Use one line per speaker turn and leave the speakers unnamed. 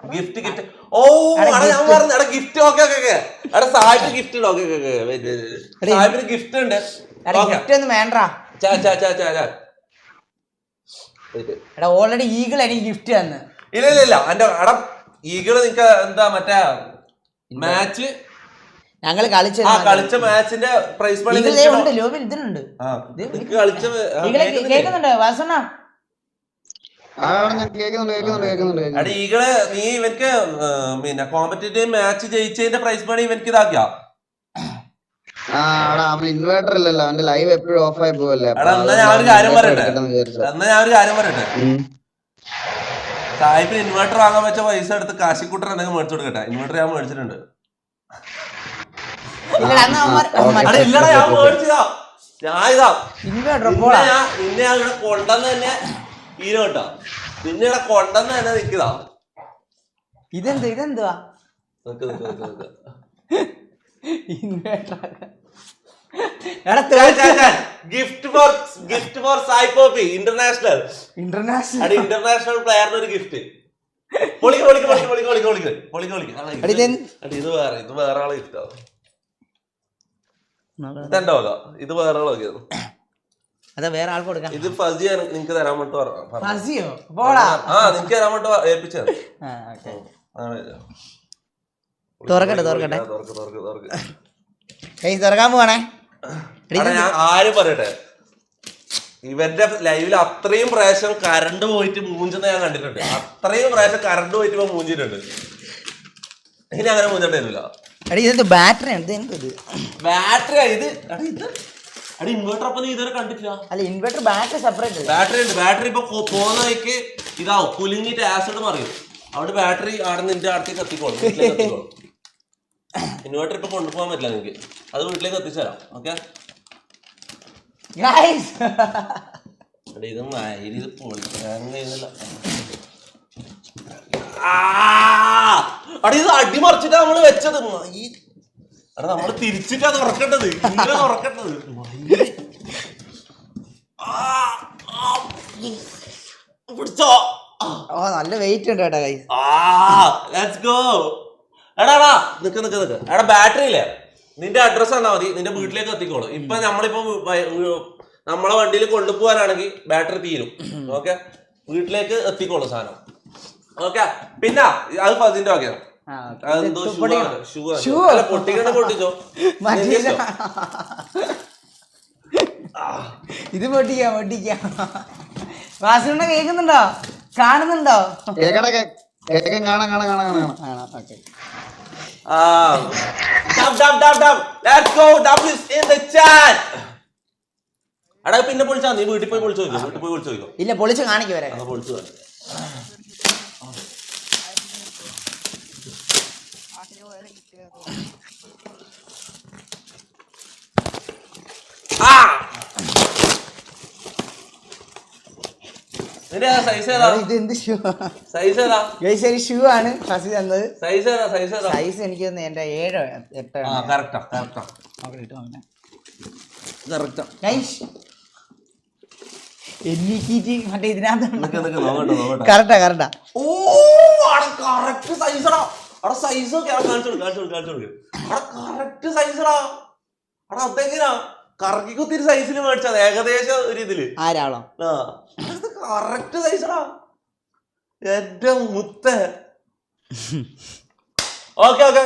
Gift gift ഓ ഞാൻ പറഞ്ഞു എടാ ഗിഫ്റ്റ് ഓക്കെ ഓക്കെ എടാ സാഹിബ് ഗിഫ്റ്റ് ഉണ്ട് ഓക്കെ സാഹിബിന് ഗിഫ്റ്റ് ഉണ്ട്
ഓൾറെഡി ഈഗിൾ എനിക്ക് ഗിഫ്റ്റ് തന്നു.
ഇല്ല എന്റെ എടാ ഈഗിള് നിനക്ക് എന്താ മറ്റേ മാച്ച്
ഞങ്ങള് കളിച്ച
മാച്ചിന്റെ പ്രൈസ് മണി
ഇതിനുണ്ട്. കേൾക്കുന്നുണ്ട് വാസണ്ണ?
ഈകള് നീ ഇവർക്ക് പിന്നെ കോമ്പറ്റീറ്റീവ് മാച്ച് ജയിച്ചതിന്റെ പ്രൈസ് മണി ഇവർക്ക് ഇതാക്കിയാ?
ഇൻവേർട്ടർ ഇല്ലല്ലോ, അവന്റെ ലൈവ് എപ്പോഴും ഓഫ് ആയി പോവല്ലേ.
എന്നാ ഞാൻ ഒരു കാര്യം പറയട്ടെ സാഹിബിന് ഇൻവേർട്ടർ വാങ്ങാൻ വെച്ച പൈസ എടുത്ത് കാശിക്കൂട്ടർ എന്തെങ്കിലും മേടിച്ചു കൊടുക്കട്ടെ. ഇൻവേർട്ടർ ഞാൻ മേടിച്ചിട്ടുണ്ട്. നിന്നെ ഞാൻ ഇവിടെ കൊണ്ടെന്ന് തന്നെ ഹീരോ കേട്ടോ. നിന്നെ ഇവിടെ കൊണ്ടെന്ന് തന്നെ നിൽക്കുന്നതാ.
ഇതെന്തുവാ
ഗിഫ്റ്റ് ഫോർ സായി പോപ്പി ഇന്റർനാഷണൽ പ്ലെയറിന് ഒരു ഗിഫ്റ്റ്. ഇത് വേറെ ആളെ ഗിഫ്റ്റാ. ഇത് വേറെ ആളൊക്കെ
വേറെ ആൾക്ക് കൊടുക്കാം.
ഇത് ഫസി നിങ്ങക്ക് തരാൻ വേണ്ടി നിങ്ങക്ക് തരാൻ വേണ്ടി ഏൽപ്പിച്ചത്.
തുറക്കാൻ പോവാണേ.
ഞാൻ ആരും പറയട്ടെ, ഇവന്റെ ലൈവിൽ അത്രയും പ്രാവശ്യം കറണ്ട് പോയിട്ട് മൂഞ്ചുന്ന ഞാൻ കണ്ടിട്ടുണ്ട്. അത്രയും പ്രാവശ്യം കറണ്ട് പോയിട്ട് ഇപ്പൊ മൂഞ്ചിട്ടുണ്ട്. ഇനി അങ്ങനെ മൂഞ്ചണ്ടില്ല.
ബാറ്ററി
ഇത് ഇൻവെർട്ടർ അപ്പൊ നീ ഇതുവരെ കണ്ടിട്ടില്ല?
അല്ല, ഇൻവെർട്ടർ ബാറ്ററി സെപ്പറേറ്റ്.
ബാറ്ററി ഇപ്പൊ പോകുന്ന വഴിക്ക് ഇതാവും, കുലുങ്ങിട്ട് ആസിഡ് മറിയും. അവിടെ ബാറ്ററി അവിടെ നിന്റെ അടുത്തേക്ക് എത്തിക്കോളും, വീട്ടിലേക്ക് എത്തിക്കോളും. ഇൻവെർട്ടർ ഇപ്പൊ കൊണ്ടുപോകാൻ പറ്റില്ല നിനക്ക്, അത് വീട്ടിലേക്ക് എത്തിച്ചു തരാം. ഓക്കെ ഇത് പൊളിക്കാൻ കഴിയുന്നില്ല. ഇത് അടിമറിച്ചിട്ടാ നമ്മള് വെച്ചത്. എടാ നമ്മള് തിരിച്ചിട്ടാ തുറക്കേണ്ടത്, ഇങ്ങനെ തുറക്കേണ്ടത്. പിടിച്ചോ?
നല്ല വെയിറ്റ് ഉണ്ട് കേട്ടോ.
Let's go. എടാ നിക്ക് എടാ ബാറ്ററി ഇല്ലേ, നിന്റെ അഡ്രസ് തന്നാ മതി, നിന്റെ വീട്ടിലേക്ക് എത്തിക്കോളൂ. ഇപ്പൊ നമ്മളിപ്പോ നമ്മളെ വണ്ടിയിൽ കൊണ്ടുപോകാനാണെങ്കിൽ ബാറ്ററി തീരും. ഓക്കെ, വീട്ടിലേക്ക് എത്തിക്കോളൂ സാധനം. ഓക്കെ, പിന്നെ അത് ഫസിന്റെ വകയാണ്. പൊട്ടിക്കണ പൊട്ടിച്ചോ.
ഇത് പൊട്ടിക്കാം. വാസുണ്ണ കേൾക്കുന്നുണ്ടോ, കാണുന്നുണ്ടോ?
എടാ പിന്നെ പൊളിച്ചാ, നീ വീട്ടിൽ പോയി പൊളിച്ചു നോക്കോ.
ഇല്ല, പൊളിച്ച് കാണിക്കും വരെ.
പൊളിച്ചു കാണിക്കും. സൈസ്
എനിക്ക് എന്റെ 7 8 മറ്റേ ഇതിനകത്ത് കറക്റ്റാ.
കറക്കി കുത്തിരി സൈസിൽ മേടിച്ചത് ഏകദേശം ഒരു ഇതില്.
ആരാളോ
കറക്റ്റ് സൈസടാ എന്റെ മുത്ത. ഓക്കെ